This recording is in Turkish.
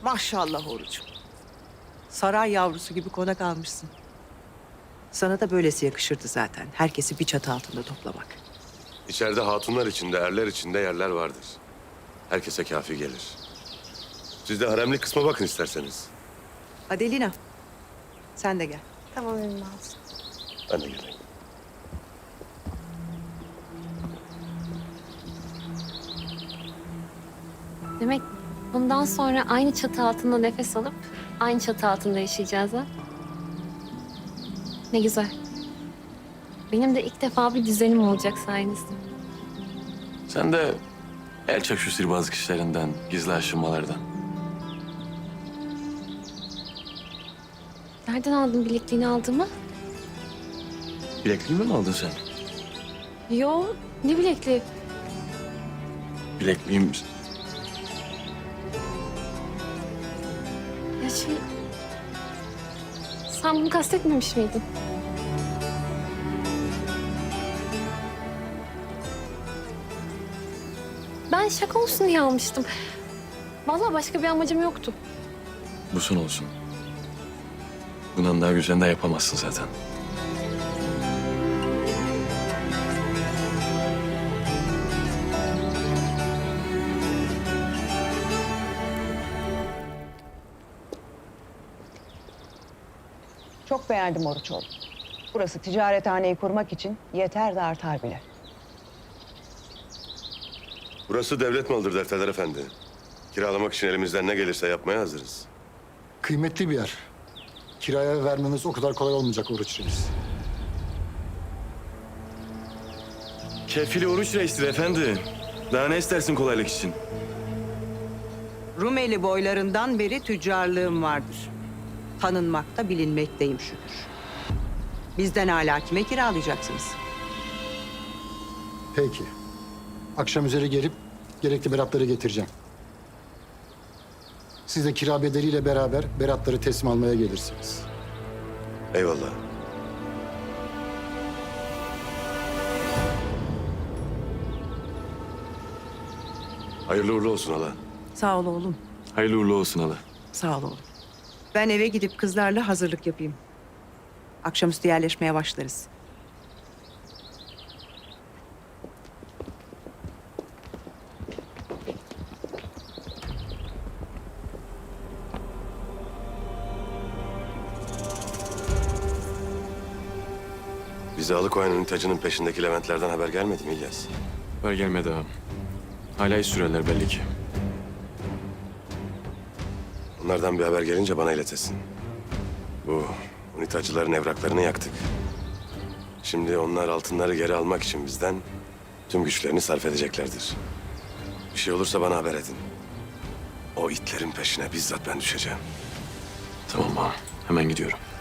Maşallah orucum. Saray yavrusu gibi konak almışsın. Sana da böylesi yakışırdı zaten. Herkesi bir çatı altında toplamak. İçeride hatunlar içinde, erler içinde yerler vardır. Herkese kafi gelir. Siz de haremlik kısma bakın isterseniz. Adelina, sen de gel. Tamam Ümmü abla. Ben de geleyim. Demek bundan sonra aynı çatı altında nefes alıp aynı çatı altında yaşayacağız ha? Ne güzel. Benim de ilk defa bir düzenim olacak sayenizde. Sen de el çek şu sihirbazlık işlerinden, gizli aşınmalardan. Nereden aldın bilekliğini aldığımı? Bilekliğimi mi aldın sen? Yo, ne bilekliği? Bilekliğim... Ya sen bunu kastetmemiş miydin? Ben şaka olsun diye almıştım. Vallahi başka bir amacım yoktu. Bu son olsun. Bundan daha güzel de yapamazsın zaten. Çok beğendim Oruçoğlu. Burası ticarethaneyi kurmak için yeter de artar bile. Burası devlet malıdır Defterler Efendi. Kiralamak için elimizden ne gelirse yapmaya hazırız. Kıymetli bir yer. Kiraya vermemiz o kadar kolay olmayacak Oruç Reis. Kefili Oruç Reis'tir efendi. Daha ne istersin kolaylık için? Rumeli boylarından beri tüccarlığım vardır. Tanınmakta bilinmekteyim şükür. Bizden hala kime kiralayacaksınız? Peki. Akşam üzeri gelip gerekli beratları getireceğim. Siz de kira bedeliyle beraber beratları teslim almaya gelirsiniz. Eyvallah. Hayırlı uğurlu olsun hala. Sağ ol oğlum. Hayırlı uğurlu olsun hala. Sağ ol oğlum. Ben eve gidip kızlarla hazırlık yapayım. Akşamüstü yerleşmeye başlarız. Bize alıkoyan tacının peşindeki Leventlerden haber gelmedi mi İlyas? Ver gelmedi ağam. Hala iş sürerler belli ki. Onlardan bir haber gelince bana iletesin. Bu unitacıların evraklarını yaktık. Şimdi onlar altınları geri almak için bizden tüm güçlerini sarf edeceklerdir. Bir şey olursa bana haber edin. O itlerin peşine bizzat ben düşeceğim. Tamam ağam. Hemen gidiyorum.